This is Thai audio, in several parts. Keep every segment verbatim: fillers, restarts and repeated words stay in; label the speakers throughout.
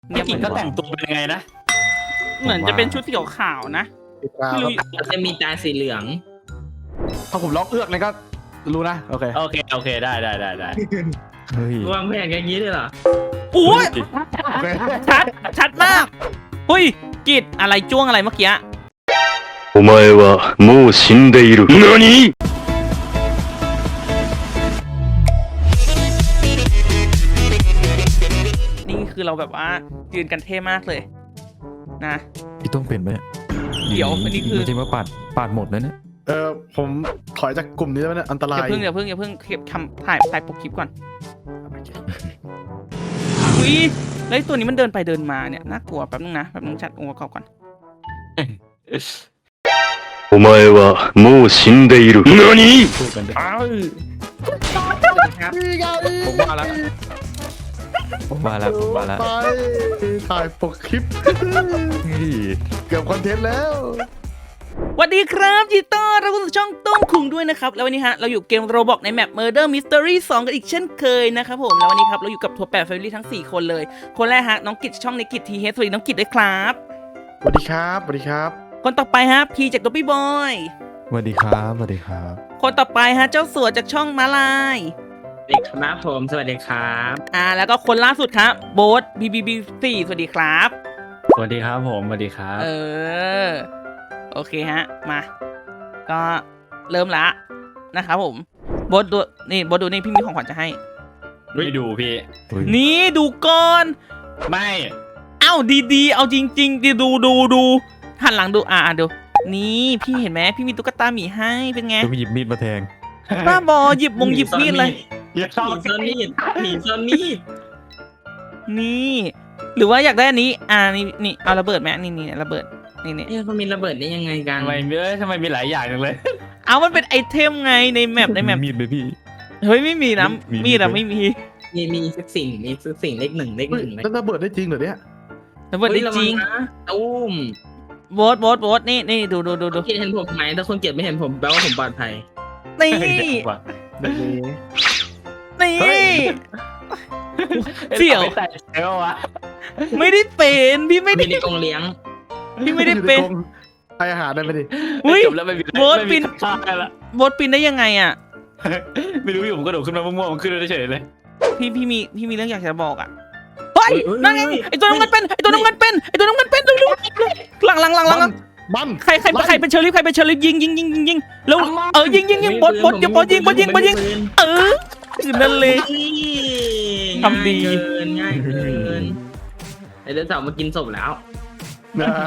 Speaker 1: พี่กิ่งเขาแต่งตัวเป็นยังไงนะ
Speaker 2: เหมือนจะเป็นชุดสีขาวนะไม่รู้
Speaker 3: จะมีตาสีเหลือง
Speaker 4: ถ้าผมร้องเอือกเลยก็รู้นะโอเค
Speaker 1: โอเคโอเคได้ได้ได้ได้
Speaker 4: เฮ้ยว
Speaker 3: างแผนกันอย่างนี้เลยเหรอ
Speaker 2: โอ้ย
Speaker 4: โอเค
Speaker 2: ชัดชัดมากเฮ้ยกิดอะไรจ้วงอะไรเมื่อกี้
Speaker 5: お前はもう死んでいる。何？
Speaker 2: นี่คือเราแบบว่ายืนกันเท่มากเลยนะ
Speaker 6: พี่ต้องเป็นไหมเนี่ย
Speaker 2: เดี๋ยวอันนี้คือ
Speaker 6: จริงๆว่าปาดปาดหมดแล้วเนี่ย
Speaker 4: เออผมถอยจากกลุ่มนี้แล้วเนี่ยอันตรา
Speaker 2: อย่าย เพิ่งอย่าเพิ่งอย่าเพิ่งเก็บทำถ่ายถ่ายปกคลิปก่อนอุ้ยแล้วไอ้ตัวนี้มันเดินไปเดินมาเนี่ยน่ากลัวแป๊บนึงนะแป๊บนึงจัดองค์ประกอบก่อน
Speaker 5: お前はもう死んでいる。何？
Speaker 6: พูดกันดิ
Speaker 4: อ้าว
Speaker 3: ครับ
Speaker 4: นี่ไง
Speaker 6: ผมว่าแล้วผมว่าแล้วผมว่าแล้ว
Speaker 4: ไปถ่ายปกคลิป
Speaker 6: เฮ้ย
Speaker 4: เกือบคอนเทนต์แล้ว
Speaker 2: สวัสดีครับยินดีต้อนรับเข้าสู่ช่องต้มคุงด้วยนะครับแล้ววันนี้ฮะเราอยู่เกมโรบอกในแมป Murder Mystery สองกันอีกเช่นเคยนะครับผมแล้ววันนี้ครับเราอยู่กับทัวร์แปด Family ทั้งสี่คนเลยคนแรกฮะน้องกิจช่องในกิจทีเฮสวัสดีน้องกิจด้วยครับ
Speaker 4: สวัสดีครับสวัสดีครับ
Speaker 2: คนต่อไปฮะพีจากดอปปี้บอย
Speaker 6: สวัสดีครับสวัสดีครับ
Speaker 2: คนต่อไปฮะเจ้าสัวจากช่องมาลาย
Speaker 3: เด็กครับผมสวัสดีครับ
Speaker 2: อ่าแล้วก็คนล่าสุดครับโบ๊ทบีบีบีสี่สวัสดีครับ
Speaker 1: สวัสดีครับผมสวัสดีครับ
Speaker 2: เออโอเคฮะมาก็เริ่มละนะครับผมโบ๊ทดูนี่โบ๊ทดูนี่พี่มีของขวัญจะให้
Speaker 1: ไม่ดูพี่
Speaker 6: เฮ้ย
Speaker 2: นี่ดูก่อน
Speaker 1: ไม่
Speaker 2: เอ้าดีๆเอาจริงๆดิดูดูดูหันหลังดูอ่าดูนี่พี่เห็นไหมพี่มีตุ๊กตาหมีให้เป็นไง
Speaker 6: ต้องหยิบมีดมาแทง
Speaker 2: บ้าบอหยิบมงหยิบมีดเลย
Speaker 1: อย่าชอบ
Speaker 3: ผีซ่อนมีดผีซ่อนมีด
Speaker 2: นี่ หรือว่าอยากได้อันนี้อ่านี่นี่เอาระเบิดไหมนี่นี่ระเบิดนี่นี่
Speaker 3: เอ๊ะเขามีระเบิดได้ยังไงกัน
Speaker 1: ทำไมเอ้ยทำไมมีหลายอย่างจังเลย
Speaker 2: เอามันเป็นไอเทมไงในแมปในแมป
Speaker 6: มีดไหมพี่
Speaker 2: เฮ้ยไม่มีนะ
Speaker 6: มีมี
Speaker 2: มีดอะ
Speaker 6: ไหม
Speaker 2: ไม่มี
Speaker 3: มีมีสักสิ่งมีสักสิ่งเลขหนึ่งเลข
Speaker 4: เฮ้
Speaker 3: ห
Speaker 4: ย
Speaker 3: นึ่งเลย
Speaker 4: แล้วระเบิดได้จริงเหรอเนี่ย
Speaker 2: ระเบิดได้จริง
Speaker 3: เฮ้ยะวันะตุ้ม
Speaker 2: โบ๊ทโบ๊ทโบ๊ทนี่นี่ดูดูดูดู
Speaker 3: เกลียดเห็นผมไหมถ้าคนเกลียดไม่เห็นผมแปลว่าผมปลอดภัย
Speaker 2: นี่
Speaker 1: ว่ะ
Speaker 2: นี่เสี่ยว
Speaker 1: ไม่ใส่เอววะ
Speaker 2: ไม่ได้เป็นพี่ไม่ได้
Speaker 3: มีในกรงเลี้ยง
Speaker 2: พี่ไม่ได้เป็น
Speaker 4: ให้อาหารได้ไหมดิ
Speaker 2: อุ้ย
Speaker 1: จบแล้วไม่มี
Speaker 2: โบ๊ท
Speaker 1: ไม่
Speaker 2: ปิ
Speaker 1: มี
Speaker 2: น
Speaker 1: ค่าละ
Speaker 2: โบ๊ทปีนได้ยังไงอ่ะ
Speaker 1: ไม่รู้อยู่ผมกระโดดขึ้นมามั่วๆมันขึ้นได้เฉยเลย
Speaker 2: พี่พี่มีพี่มีเรื่องอยากจะบอกอ่ะเฮ้ยนั่นไงไอตัวน้ำเงินเป็นไอตัวน้ำเงินเป็นไอตัวน้ำเงินเป็นดูดูหลังหลังหลังหลังหลัง
Speaker 4: บัน
Speaker 2: ใครใครใครเป็นเชอรี่ใครเป็นเชอรี่ยิงยิงยิงยิงยิงแล้วเออยิงยิงยิงบดบดอย่าบดยิงบดยิงบดยิงเออนั่นเลย ทำดี
Speaker 3: ง่ายเกินง่ายเกินไอเดนสาวมากินศพแล้ว
Speaker 4: นะฮะ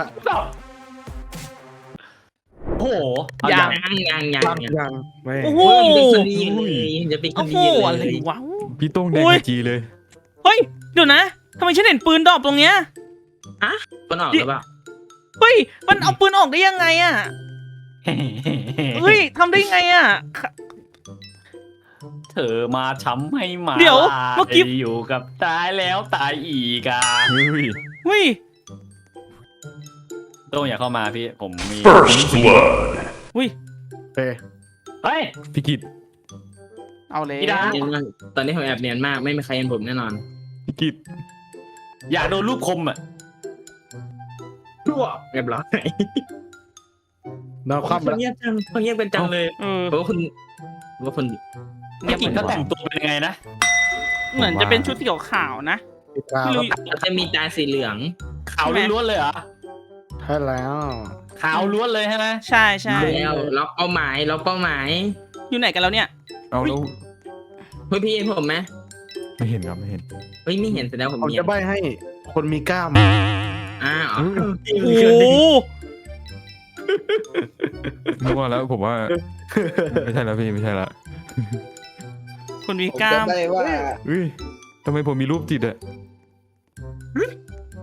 Speaker 1: โอ้โหเอา
Speaker 2: อย่า
Speaker 1: อย่าง
Speaker 3: ยังยังยัง
Speaker 4: ยังยังไม่
Speaker 2: โอ้โห
Speaker 3: โอ้ยเป็นคนดีเลยจะเป็นค
Speaker 2: โอ้
Speaker 3: น
Speaker 2: โห
Speaker 3: ดีเลย
Speaker 2: อะไรวะ
Speaker 6: พี่ต้องแดง
Speaker 2: โอ้ย
Speaker 6: ไอจีเลย
Speaker 2: เฮ้ยเดี๋ยวนะทำไมฉันเห็นปืนดรอปตรงเนี้ย
Speaker 3: คนออกหรือเปล่า
Speaker 2: เฮ้ยมันเอาปืนออกได้ยังไงอ่ะเฮ้ยทำได้ไงอ่ะ
Speaker 1: เธอมาช้ำให้มา
Speaker 2: เดี๋ยวเมื่อกี้
Speaker 1: อยู่กับตายแล้วตายอีกอ่ะ
Speaker 6: เฮ้ย
Speaker 2: เฮ้ย
Speaker 1: โต้งอย่าเข้ามาพี่ผมมี
Speaker 5: First blood.
Speaker 2: เฮ้ย
Speaker 4: โอเค
Speaker 1: เฮ้ย
Speaker 6: พี่กิต
Speaker 2: เอาเลย
Speaker 1: พี่ดา
Speaker 3: เนียนมากตอนนี้ผมแอบเนียนมากไม่มีใครเห็นผมแน่นอน
Speaker 6: พี่กิต
Speaker 1: อยากโดนรูปคมอ่ะ
Speaker 3: รั่วเรียบร้อย
Speaker 4: นอนคว่ำ
Speaker 3: ค
Speaker 4: แล้
Speaker 3: น
Speaker 4: ว
Speaker 3: เงียบจังคนเงียบเป็นจังเลย
Speaker 2: เออ
Speaker 3: เพราะว่าคนว่าคน
Speaker 1: พี่กิ่งเขาแต่งตัวเป็นยังไงนะ
Speaker 2: เหมือนจะเป็นชุดสีขาวนะ
Speaker 4: ติดตาม
Speaker 2: ไม่รู้
Speaker 3: จะมีตาสีเหลือง
Speaker 1: ขาวล้วนๆเลยเหรอ
Speaker 4: ใช่แล้ว
Speaker 1: ขาวล้วนเลยใช่ไหม
Speaker 2: ใช่ใช่
Speaker 3: แล้วล็อกเป้าหมายล็อกเป้าหมาย
Speaker 2: อยู่ไหนกันแล้วเนี่ย
Speaker 6: เอาแล้ว
Speaker 3: เฮ้ยพี่เห็นผมไหม
Speaker 6: ไม่เห็นครับไม่เห็น
Speaker 3: เฮ้ยไม่เห็นแสดงผม
Speaker 4: ผม
Speaker 3: เห็น
Speaker 4: จะใบให้คนมีกล้าม
Speaker 3: อ้าว
Speaker 6: เฮ้ย
Speaker 2: โอ้โห
Speaker 6: มั่วแล้วผมว่าไม่ใช่แล้วพี่ไม่ใช่ละ
Speaker 2: คนมีกล้าม
Speaker 4: ได้ว่า
Speaker 6: เฮ้ยทำไมผมมีรูปจิตอะ
Speaker 3: เฮ้ย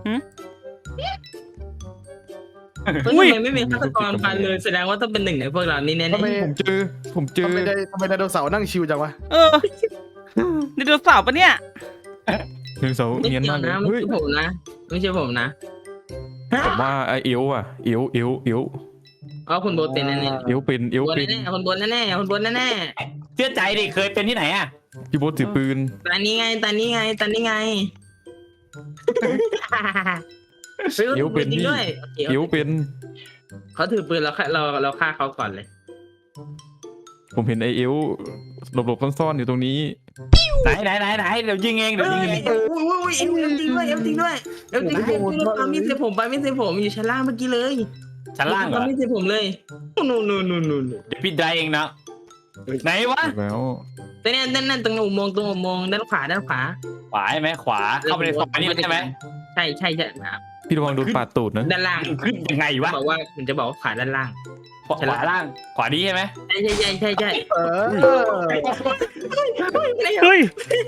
Speaker 2: อุ้ย
Speaker 3: ทำไมไม่มีฆาตกรพันเลยแสดงว่าต้องเป็นหนึ่งในพวกเรานี่แน่
Speaker 4: ทำไม
Speaker 6: ผมเจอผมเจอ
Speaker 4: ทำไมได้ทำไมไดโนเสาร์นั่งชิวจังวะ
Speaker 2: เออไดโนเสาร์ปะเนี่ย
Speaker 6: เนเสาร์
Speaker 3: ๆไม่
Speaker 6: เนียน
Speaker 3: เกี่ย
Speaker 6: มาว กเลย
Speaker 3: นะไม่
Speaker 6: เฮ้ย
Speaker 3: ใช่ผมนะไม่ใช่ผมนะ
Speaker 6: ผมว่าไอเอวอะเอวเอวเอว
Speaker 3: อ๋อคุณโบทเป็นแน่
Speaker 6: เอวเป็นเอ
Speaker 3: ๆ
Speaker 6: ว
Speaker 3: บน
Speaker 6: เป็น
Speaker 3: แน่ๆคนบนแน่ๆคนบนแน่
Speaker 1: เชื่อใจดิเคยเป็นที่ไหนอ่ะ
Speaker 6: พี่โบ๊ทถือปืน
Speaker 3: ๆตานี้ไงตานี้ไงตานี้ไง
Speaker 6: เอวเป็น
Speaker 3: จริง
Speaker 6: พี่
Speaker 3: ด้วยโอเค
Speaker 6: เอวเป็น
Speaker 3: เขาถือปืนแล้วเราเราฆ่าเขาก่อนเลย
Speaker 6: ผมเห็นไอเอวหลบๆซ่อนๆอยู่ตรงนี้
Speaker 1: ไหนไหนไหนไหนเดี๋ยวยิงเองเดี๋ยวยิงเอง
Speaker 3: เอ้ยอุ้ยอุ้ยเอ็มเอ็มจริงด้วยเอ็มจริงด้วยเอ็มจริงด้วยปามีดใส่ผมปามีดใส่ผมอยู่ชั้นล่างเมื่อกี้เลย
Speaker 1: ชั้นล่างเหร
Speaker 3: ปา
Speaker 1: อ
Speaker 3: มีดใส่ผมเลยนู่นนู่นนู่นนู่น
Speaker 1: เดี๋ยวพี่ได้เองนะไหนวะ
Speaker 6: แล้ว
Speaker 3: แต่เนี่ยนั่นนั่นตรงอุโมงค์ตรงอุโมงค์ด้านขวาด้านขวา
Speaker 1: ขวาใช่ไหมขวาเข้าไปในซอยนี่ใช่ไหม
Speaker 3: ใช่ใช่ใช่ครับ
Speaker 6: พี่ระวังโดนปาดตูดนะ
Speaker 3: ด้านล่าง
Speaker 1: ขึ้นยังไงวะ
Speaker 3: บอกว่าผมจะบอกว่าขวาด้านล่าง
Speaker 1: ขวาขวาล่างขวาดีใช่ไหม
Speaker 3: ใช่ใช่ใช่ใช่ใช่
Speaker 4: เออ
Speaker 2: เฮ้ย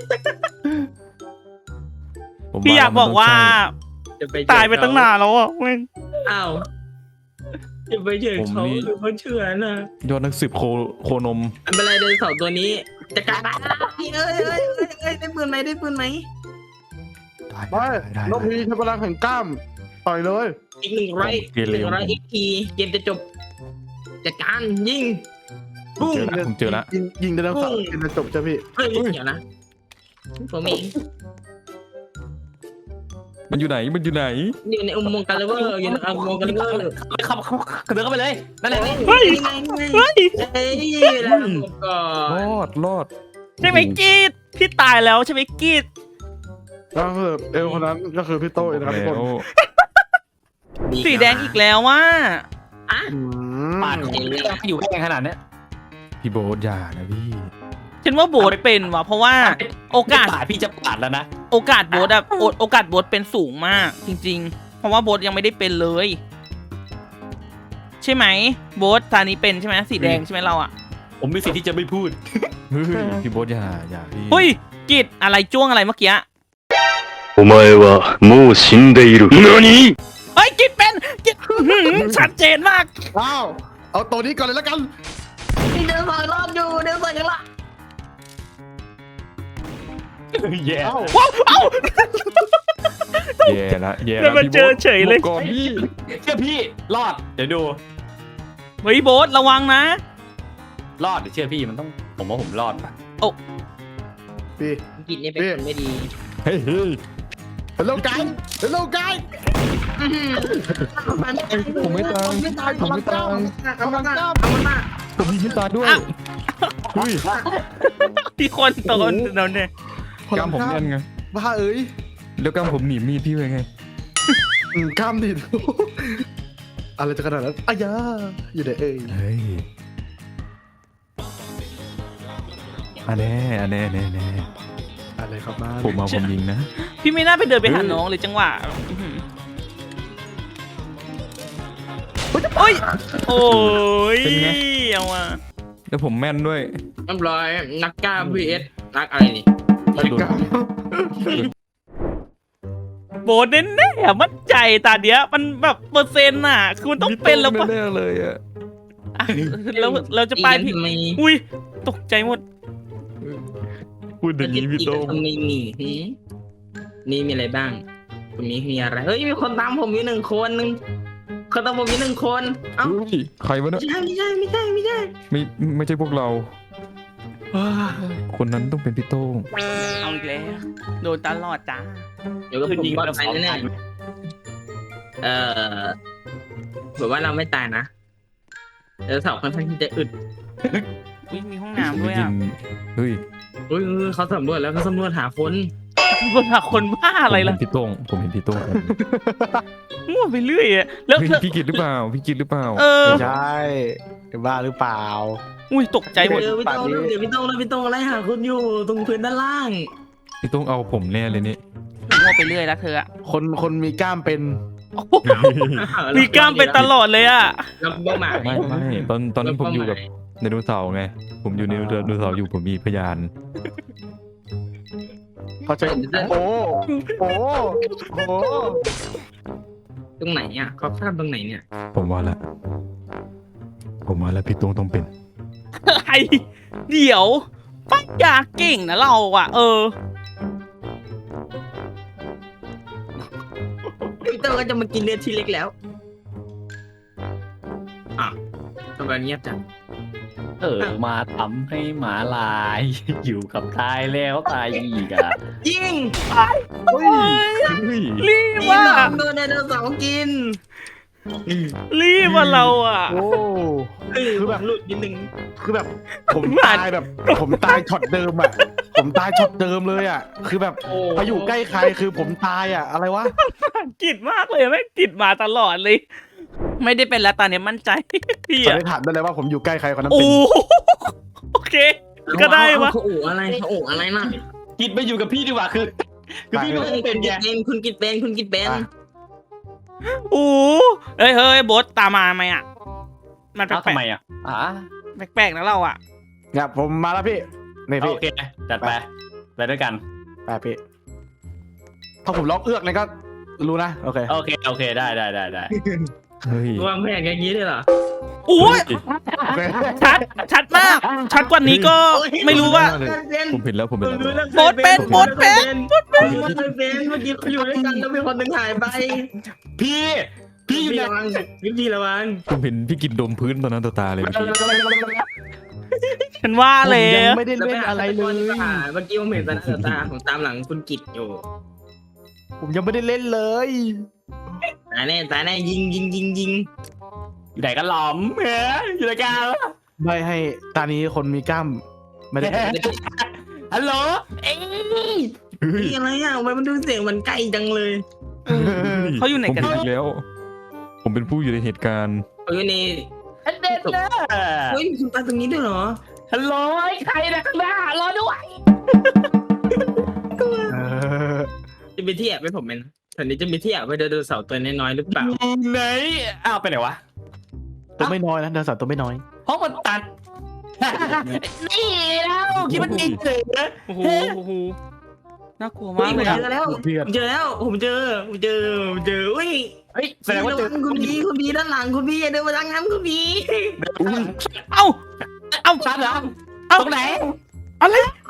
Speaker 6: ผม
Speaker 2: พี่อยากบอกว่า
Speaker 3: จะไป
Speaker 2: ตายไปตั้งนานแล้วอ่ะแม่ง
Speaker 3: อ้าวจะไปเจอเขาหรือเขาเชื่อนะ
Speaker 6: ยอดนักสืบโคโคนม
Speaker 3: อันเป็นไรเดินเสาร์ตัวนี้จะกลายเป็นเอ้ยเอ้ยเอ้ยเอ้ยได้ปืนไหมได้ปืนไหม
Speaker 4: ไม่นกพีใช้พลังแห่งกล้ามต่อยเลย
Speaker 3: อีกหนึ่งร้อยหนึ่งร้อยอีกทีเกมจะจบจัดการยิง
Speaker 6: ผม
Speaker 3: ปุ้ง
Speaker 6: เจอละผมเจอละ
Speaker 4: ยิงยิงไดโนเสาร์
Speaker 3: ปุ้ง
Speaker 4: กินจะจบจ้ะพี่
Speaker 3: เฮ้ยเดี๋ยวนะผมเอง
Speaker 6: มันอยู่ไหนมันอยู่ไหน
Speaker 3: อยู่ในอุโมงค์กันเลเวอร์อยู่ในอุโมงค์กันเลเวอร์
Speaker 1: เข้าเข้าเดินเข้าไปเลยนั่นแหละ
Speaker 2: เฮ้ย
Speaker 3: ไงไง
Speaker 2: เฮ้ย
Speaker 3: เฮ้ยแล้วก่อ
Speaker 6: ร
Speaker 3: น
Speaker 6: อดรอด
Speaker 2: ใช่ไหมกีดพี่ตายแล้วใช่ไหมกีด
Speaker 4: แล้วคือเอลคนนั้นก็คือพี่โต้เองนะครับทุก
Speaker 6: แล้
Speaker 4: คน
Speaker 6: ว
Speaker 2: สีแดงอีกแล้วว่า
Speaker 3: อ่ะ
Speaker 4: อืม
Speaker 1: ปาดอยู่แค่ขนาดเนี้ย
Speaker 6: พี่โบ๊ทอย่านะพี่
Speaker 2: ฉันว่าโบทเป็นว่ะเพราะว่าโอกาส
Speaker 1: ปาดพี่จะปาดแล้วนะ
Speaker 2: โอกาสโบทอะโอโอกาสโบทเป็นสูงมาก จริง ๆ เพราะว่าโบทยังไม่ได้เป็นเลย ใช่ไหมโบทตานี้เป็นใช่ไหมสีแดงใช่ไหมเราอะ
Speaker 1: ผมมีสิทธิ์ที่จะไม่พูด
Speaker 6: เฮ้ยพี่โบ๊ทอย่าอย่าพี่
Speaker 2: เฮ้ยกีดอะไรจ้วงอะไรเมื่อกี้
Speaker 5: お前はもう死んでいる。何？
Speaker 2: เฮ้ยกีดเป็นกีดอื้อหือชัดเจนมาก
Speaker 4: อ้าวเอาตัวนี้ก่อนเลยแล้วกัน
Speaker 3: เดินสองรอบอยู่เดินสองยังละ
Speaker 1: แย่
Speaker 4: เอ้า
Speaker 2: ว้าวเอ้า
Speaker 6: แย่ละแย่
Speaker 2: แล้ว
Speaker 6: ละ
Speaker 2: มา
Speaker 6: พี่
Speaker 2: เจอเฉยเลย
Speaker 6: หบก่อนพี่
Speaker 1: เชื่อพี่รอดเดี๋ยวดู
Speaker 2: เฮ้ยโบทระวังนะ
Speaker 1: รอดเดี๋ยวเชื่อพี่มันต้องผมว่าผมรอดปะ
Speaker 4: พี่
Speaker 3: กินนี่เป็นคนไม่ดี
Speaker 6: เฮ้ยเฮ้ย
Speaker 4: ฮัลโหลไกด์ฮัลโหลไกด์
Speaker 6: ผมไม่ตายผมไม่ตาย
Speaker 3: เอามันมาเอามันมา
Speaker 6: ผมยิงตาด้วย
Speaker 2: อ้าว
Speaker 6: เฮ้ย
Speaker 2: ที่คนโตนเราเนี่ย
Speaker 6: กล้ามผมแน่นไง
Speaker 4: บ้าเอ้ย
Speaker 6: แล้วกล้ามผมหนีบมีดพี่ไว้ไง
Speaker 4: อืมกล้ามดิอะไรจะขนาดนั้นอายาอยู่ไหนเอ้ย
Speaker 6: เฮ้ยอันแน่อันแน่แน่แน่
Speaker 4: อะไรครับบ้าน
Speaker 6: ผมเอาผมยิงนะ
Speaker 2: พี่ไม่น่าไปเดินไปหาน้องเลยจังหวะอื้อหือโอ้ยโอ้ย
Speaker 6: เป็นไง
Speaker 2: เอาว่ะ
Speaker 6: แล้วผมแม่นด้วย
Speaker 3: เรียบร้อยนักกล้า วี เอส นักอะไรนี่
Speaker 6: โดน
Speaker 2: โบนแน่ๆมั่นใจตาเดียวมันแบบเปอร์เซ็นต์น่ะคือมันต้องเป็นแล้วปะ
Speaker 6: แน่ๆเลยอะ
Speaker 2: อ่ะแล้วเราจะไปพี่
Speaker 3: ทำไม
Speaker 2: อุ้ยตกใจหมด
Speaker 6: พูดอย่างนี้พี่โต้ง
Speaker 3: ทำไมนี่หืมนี่มีอะไรบ้างตรงนี้มีอะไรเฮ้ยมีคนตามผมอยู่หนึ่งคนหนึ่งคนตามผมอยู่หนึ่งคนเอ้า
Speaker 6: เฮ้ยใครวะ
Speaker 3: ไม่
Speaker 6: เนี่ย
Speaker 3: ใช่ไม่ใช่ไม่ใช่ไม่ใช่
Speaker 6: ไม่ไม่ใช่พวกเรา คนนั้นต้องเป็นพี่โต้ง
Speaker 2: เอาอีกแล้วโดนตลอดจ้า
Speaker 3: เดี๋ยวก็ผมปลอดภัยแน่ๆเออแบบว่าเราไม่ตายนะเดี๋ยวสาวค่อนข้างที่จะอึด
Speaker 2: อุ้ยมีห้องน้ำด้วยอ่ะ
Speaker 6: เฮ้ย
Speaker 3: เฮ้ยเฮ้ยเขาสำรวจแล้วเขาสำรวจหาคน
Speaker 2: คนหาคนบ้าอะไรล่ะ
Speaker 6: ผมเห็นพี่โต้งผมเห็นพี่โต้ง
Speaker 2: มั่วไปเรื่อยอะแล้ว
Speaker 6: เฮ้ย
Speaker 2: เธอ
Speaker 6: พี่กิตหรือเปล่าพี่กิตหรือเปล่า
Speaker 2: เออ
Speaker 4: ไม่ใช่บ้าหรือเปล่า
Speaker 2: อุ้ยตกใจหมด
Speaker 3: เดี๋ยวพี่โต้งเดี๋ยวพี่โต้งแล้วพี่โต้งไล่หาคนอยู่ตรงพื้นด้านล่าง
Speaker 6: พี่โต้งเอาผมแน่เลยนี่
Speaker 2: มั่วไปเรื่อยแล้วเธออะ
Speaker 4: คนคนมีกล้ามเป็น
Speaker 2: โอ้โหมีกล้ามเป็นตลอดเลยอ่ะ
Speaker 3: แล้วเป้าหมาย
Speaker 6: ไม่ไม่ตอนตอนนั้นผมอยู่กับไดโนเสาร์ไง ผมอยู่ในไดโนเสาร์อยู่ผมมีพยาน
Speaker 4: เขาใจโอ้โอ้โอ้
Speaker 3: ตรงไหนอ่ะเขาคาดตรงไหนเนี่ย
Speaker 6: ผมว่าละผมว่าละพี่โต้งต้องเป็น
Speaker 2: ไอเดี๋ยวปัญญาเก่งนะเราอ่ะ เออ
Speaker 3: พี่โต้งก็จะมากินเลือดทีเล็กแล้วอ่ะทำไมเงียบจัง
Speaker 2: เอ
Speaker 1: เออมาทำให้หมาลาย อยู่กับตายแล้วตายอีกอะ
Speaker 3: ยิง
Speaker 4: เฮ้ย
Speaker 6: เฮ้ย
Speaker 2: รีบ
Speaker 3: นี่
Speaker 2: ว่ะ
Speaker 3: น้องโดนไดโนเสาร์กิน
Speaker 2: รีบว่าเราอ่ะ
Speaker 4: โอ้
Speaker 3: คือแบบหลุดนิดนึง
Speaker 4: คือแบบผมตายแบบ ผมตายช็อตเดิมอ่ะผมตายช็อตเดิมเลยอ่ะคือแบบ
Speaker 3: โอ้
Speaker 4: ไปอยู่ใกล้ใครคือผมตายอ่ะอะไรวะ
Speaker 2: กิดมากเลยแม่งกิดมาตลอดเลย ไม่ได้เป็นแล้วตอนนี้มั่นใจ พี่
Speaker 4: สัน
Speaker 2: อะ
Speaker 4: นิษฐานได้เลยว่าผมอยู่ใกล้ใครคนนั้น
Speaker 2: โอ้
Speaker 4: เป็น
Speaker 2: โอเค ก็ได้วะ
Speaker 3: เขาอู่อะไรเขาอู่อะไรน่ะ
Speaker 1: กิดไปอยู่กับพี่ดีกว่าคือ คือพี่ไม่ต้องเป็นไง
Speaker 3: เป็นคุณกิดเป็นคุณกิดเป็น
Speaker 4: อ่ะ
Speaker 2: โอ้เฮ้ยเฮ้ยโบสตามมาไหมอ่ะ มันแป
Speaker 1: เอ้า
Speaker 2: ล
Speaker 1: ทำไม
Speaker 2: ก
Speaker 1: อ่ะอ่า
Speaker 2: ๆแปลกๆนะเราอ่ะ
Speaker 4: เนี่ยผมมาแล้วพี่นี่พี่
Speaker 1: โอเคจัดไปไปด้วยกัน
Speaker 4: ไปพี่ถ้าผมล็อกเอือกเนี่ยก็รู้นะโอเค
Speaker 1: โอเคโอเคได้ได้ได้ได้
Speaker 6: เฮ้ยว
Speaker 3: างแผนอย่างนี้เลยเหรอ
Speaker 2: โอ้ย
Speaker 4: โอเค
Speaker 2: ชัด ชัดมาก ชัดกว่านี้ก็ไม่รู้ว่า
Speaker 6: ผมเห็นแล้วผมเห็นแล้ว
Speaker 2: โบ๊ทเป็นโบ๊ทเป็น
Speaker 3: โบ๊ทเป็นโบ๊ทเป็นเมื่อกี้เขาอยู่ด้วยกันแล้วมีคนหนึ่งหายไป
Speaker 1: พี่พี่อยู่
Speaker 3: พี่
Speaker 1: ไหน
Speaker 3: ระวังพี่ระวัง
Speaker 6: ผมเห็นพี่กินดมพื้นตอนนั้นต่อตาเลยเมื่อกี้
Speaker 2: ฉันว่า
Speaker 4: ผม
Speaker 2: แล้
Speaker 4: ยัง
Speaker 2: ว
Speaker 4: ไม่ได้เล่นอะไรเลย
Speaker 3: เมื่อกี้ผมเห็นตาหน้าตาผมตามหลังคุณกิดอยู่
Speaker 4: ผมยังไม่ได้เล่นเลย
Speaker 3: ตายแน่ตายแน่ยิงยิงยิงยิง
Speaker 1: อยู่ไหนกันหลอมเฮ้ยอยู่ไหนกัน
Speaker 4: ไม่ให้ตานี้คนมีกล้ามไม่ได้
Speaker 1: ฮัลโหลเอ้ย
Speaker 6: เฮ้ย
Speaker 3: พี่อะไรอ่ะทำไมมันดูเสียงมันใกล้จังเลย
Speaker 2: เขาอยู่ไหน
Speaker 6: ผม
Speaker 2: กัน
Speaker 6: เห็นอีกแล้ว ผมเป็นผู้อยู่ในเหตุการณ์
Speaker 3: เอ้ยนี่
Speaker 1: อันเด็ดเลย
Speaker 3: เฮ้ยคุณตาตรงนี้ด้วยเหรอ
Speaker 1: ฮัลโหลไอ้ใครนะข้างหน้ารอด้วย
Speaker 4: เออ
Speaker 3: จะมีที่แอบไว้ผมไหมนะแถวนี้จะมีที่แอบไว้ไดโนเสาร์ตัวน้อยๆหรือเปล่า
Speaker 1: อยู่ไหนอ้าวไปไหนวะ
Speaker 4: ตัวไม่น้อยนะเดินสัตว์ตัวไม่น้อย
Speaker 1: ห้องมันตัด นี่แล้วคิดมันเก่งเลยนะ
Speaker 2: โอ้โหโอ้โหน่ากลัว
Speaker 3: เฮ้
Speaker 2: มาย ก
Speaker 3: ผ
Speaker 2: เล
Speaker 3: ม
Speaker 2: ยอะ
Speaker 3: เจอแล้วผมเจอแล้วผมเจอผมเจอผมเจออุ้ย
Speaker 1: เฮ้ยแสดงว่า
Speaker 3: ระ
Speaker 1: เจอ
Speaker 3: วังคุณพีคุณพีด้านหลังคุณพีอย่าเดินมาทางนั้นคุณพี
Speaker 2: เอ้า เอ้า
Speaker 1: ชัดเหรอ
Speaker 2: เอ้า
Speaker 1: ตรงไหน
Speaker 2: อะไร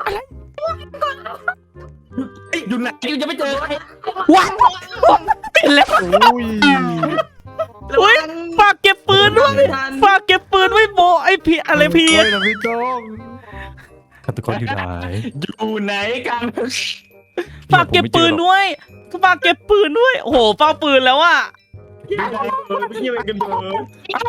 Speaker 1: เฮ้ยอยู่ไหนอยู่จะไม่เจอใคร
Speaker 2: ว้าวเห็นแล้ว
Speaker 4: อุ้ย
Speaker 2: เฮ้ยฝากเก็บปืนด้วยฝากเก็บปืนไว้โบไอพีอะไรพี
Speaker 4: โอ้ยนะพี่โจ้ง
Speaker 6: ฆาตกรอยู่ไหน
Speaker 1: อยู่ไหนกัน
Speaker 2: ฝากเก็บปืนด้วยฝากเก็บปืนด้วย โอ้โหเฝ้าปืนแล้วอ่ะ
Speaker 3: ไม่ใช่เป็นกันเบอร์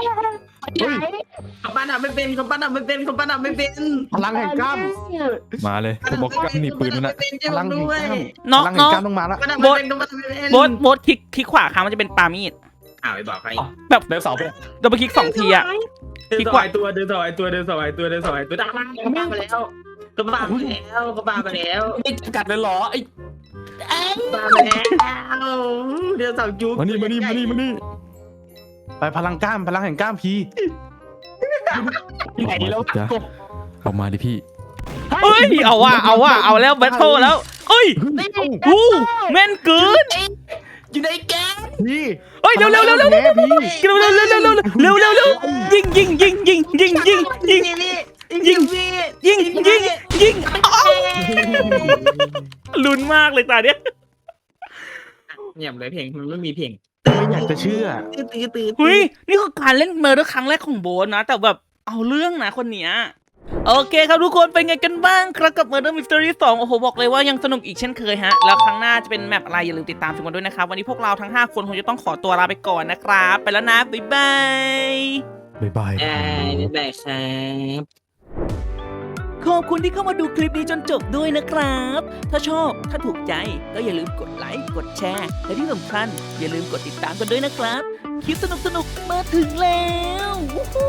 Speaker 3: เขาปั้นอะไม่เป็นเขาปั้นอะไม่เป็นเขาปั้นอะไม่เป็น
Speaker 4: พลังแห่งกล้าม
Speaker 6: มาเลยผมบอกกันนี่ปืนนั่นน่ะ
Speaker 3: เป็น
Speaker 4: พ
Speaker 3: จะ
Speaker 4: ลัง
Speaker 3: ด้
Speaker 4: แห่ง
Speaker 3: วย
Speaker 4: กล้าม
Speaker 2: น้อง
Speaker 4: พลังแห่
Speaker 2: น้อง ง
Speaker 4: กล้ามต้องมาละ
Speaker 3: ปั้นอะไม่เป็นเขาปั้นอะไม่เป็น
Speaker 2: โบสโบสคลิกคลิกขวาค้างมันจะเป็นปามีด
Speaker 3: อ้าวไปบอกใคร
Speaker 1: เดินเสาไป
Speaker 2: ดับเบิลคลิกสองทีอ่ะ
Speaker 3: เดินสอยตัวเดินสอยตัวเดินสอยตัวเดินสอยตัวดังมากเขาปาไปแล้วเขาปาไปแล้วเขาปาไปแล้ว
Speaker 1: ไม่จำกัดเลยเหรอไอ้
Speaker 3: ปาไปแล้วเดินสาวจุ๊บ
Speaker 6: มานี่มานี่มานี่มานี่
Speaker 4: ไปพลังกล้ามพลังแห่งกล้ามพี
Speaker 1: ที่ไหนแล้ว
Speaker 6: จ้ะเอามาดิพี่
Speaker 2: เอ้ย เอาว่ะ เอาว่ะ เอาแล้วแบทเทิลแล้วเอ้ยอู้แม่นเกิน
Speaker 1: อยู่ในแกง
Speaker 4: พี่
Speaker 2: เอ้ย เร็วเร็วเร็วเร็ว
Speaker 4: แม่พี่
Speaker 2: เร็วเร็วเร็วเร็วเร็วเร็วเร็วเร็วยิงยิงยิงยิงยิงยิงยิง
Speaker 3: ยิง
Speaker 2: ยิงยิงยิงอ้าวลุ้นมากเลยตาเนี้ย
Speaker 3: เงียบเลยเพลงมันไม่มีเพลง
Speaker 4: ไม่อยากจะเชื่อ
Speaker 3: ตื้อตื้อตื้อ
Speaker 2: เฮ้ย นี่คือการเล่นเมอร์เดอร์ครั้งแรกของโบนนะ แต่แบบเอาเรื่องนะคนเนี้ย โอเคครับทุกคนเป็นไงกันบ้างครับกับ Murder Mystery สองโอ้โหบอกเลยว่ายังสนุกอีกเช่นเคยฮะแล้วครั้งหน้าจะเป็นแมปอะไรอย่าลืมติดตามชมกันด้วยนะครับวันนี้พวกเราทั้งห้าคนคงจะต้องขอตัวลาไปก่อนนะครับไปแล้วนะบ๊ายบาย
Speaker 6: บ๊ายบาย
Speaker 3: เอ้ยนี่แหละครับ
Speaker 2: ขอบคุณที่เข้ามาดูคลิปนี้จนจบด้วยนะครับ ถ้าชอบถ้าถูกใจก็อย่าลืมกดไลค์กดแชร์และที่สำคัญอย่าลืมกดติดตามกันด้วยนะครับคลิปสนุกๆมาถึงแล้ววู้ฮู้